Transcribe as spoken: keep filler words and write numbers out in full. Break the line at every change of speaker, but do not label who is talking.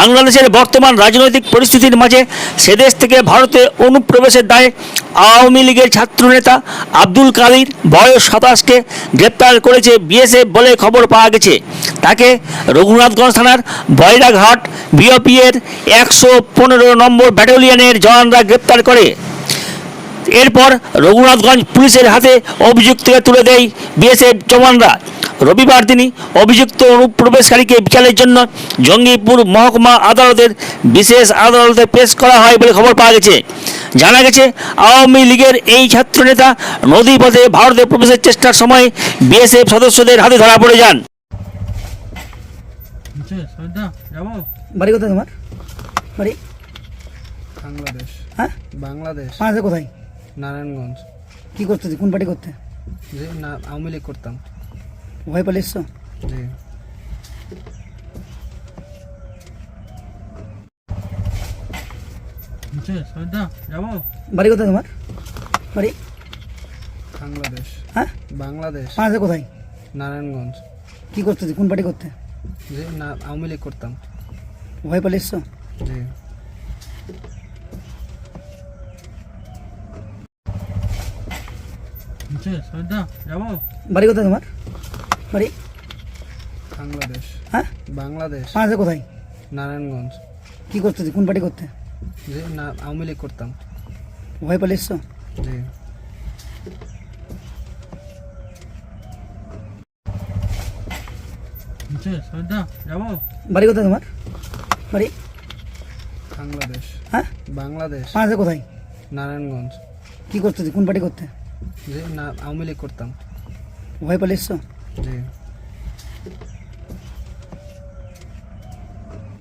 বাংলাদেশের বর্তমান রাজনৈতিক পরিস্থিতির মাঝে সেদেশ থেকে ভারতে অনুপ্রবেশের দায়ে আওয়ামী লীগের ছাত্রনেতা আব্দুল কাদির বয়স সাতাশকে গ্রেপ্তার করেছে বিএসএফ বলে খবর পাওয়া গেছে। তাকে রঘুনাথগঞ্জ থানার বয়রাঘাট বিওপি এর একশো পনেরো নম্বর ব্যাটালিয়নের জওয়ানরা গ্রেপ্তার করে। এরপর রঘুনাথগঞ্জ পুলিশের হাতে অভিযুক্তকে তুলে দেয় বিএসএফ জওয়ানরা। রবিবার দিনই অভিযুক্ত অনুপ্রবেশকারীকে বিচারের জন্য জঙ্গিপুর মহকুমা আদালতের বিশেষ আদালতে পেশ করা হয় বলে খবর পাওয়া গেছে। জানা গেছে, আওয়ামী লীগের এই ছাত্রনেতা নদীপথে ভারতে প্রবেশের চেষ্টার সময় বিএসএফ সদস্যদের হাতে ধরা পড়ে যান।
বাড়ি কোথায় তোমার? বাড়ি
বাংলাদেশ।
হ্যাঁ,
বাংলাদেশ।
বাংলাদেশে কোথায়?
নারায়ণগঞ্জ।
কি করতেছি? কোন পার্টি করতে?
যে না আওয়ামী লীগ করতাম।
ভয় পালিয়ে এসছো?
জি।
বাড়ি কোথায় তোমার? বাড়ি
বাংলাদেশ।
হ্যাঁ,
বাংলাদেশ।
বাংলাদেশে কোথায়?
নারায়ণগঞ্জ।
কি করতেছি? কোন পার্টি করতে?
যে না আওয়ামী লীগ করতাম।
ভয় পালিয়ে এসছো?
জি।
বাড়ি কোথায় তোমার? বাড়ি
বাংলাদেশ।
হ্যাঁ,
বাংলাদেশ।
বাংলাদেশে কোথায়?
নারায়ণগঞ্জ।
কি করতেছি? কোন পার্টি করতে?
যে না আওয়ামী লীগ করতাম।
ভয় পালিয়ে এসছো?
জি।
বাড়ি কোথায় তোমার? বাড়ি হ্যাঁ, বাংলাদেশ। বাংলাদেশে কোথায়? কি করতেছি? কোন পার্টি করতে?
যে না আওয়ামী লীগ করতাম।
ভয় পালিয়ে এসছো?
জি।
বাড়ি কোথায় তোমার? বাড়ি
বাংলাদেশ।
হ্যাঁ,
বাংলাদেশ।
বাংলাদেশে কোথায়?
নারায়ণগঞ্জ।
কি করতেছি? কোন পার্টি করতে?
যে না আওয়ামী লীগ করতাম।
ভয় পালিয়ে এসছো?
জি।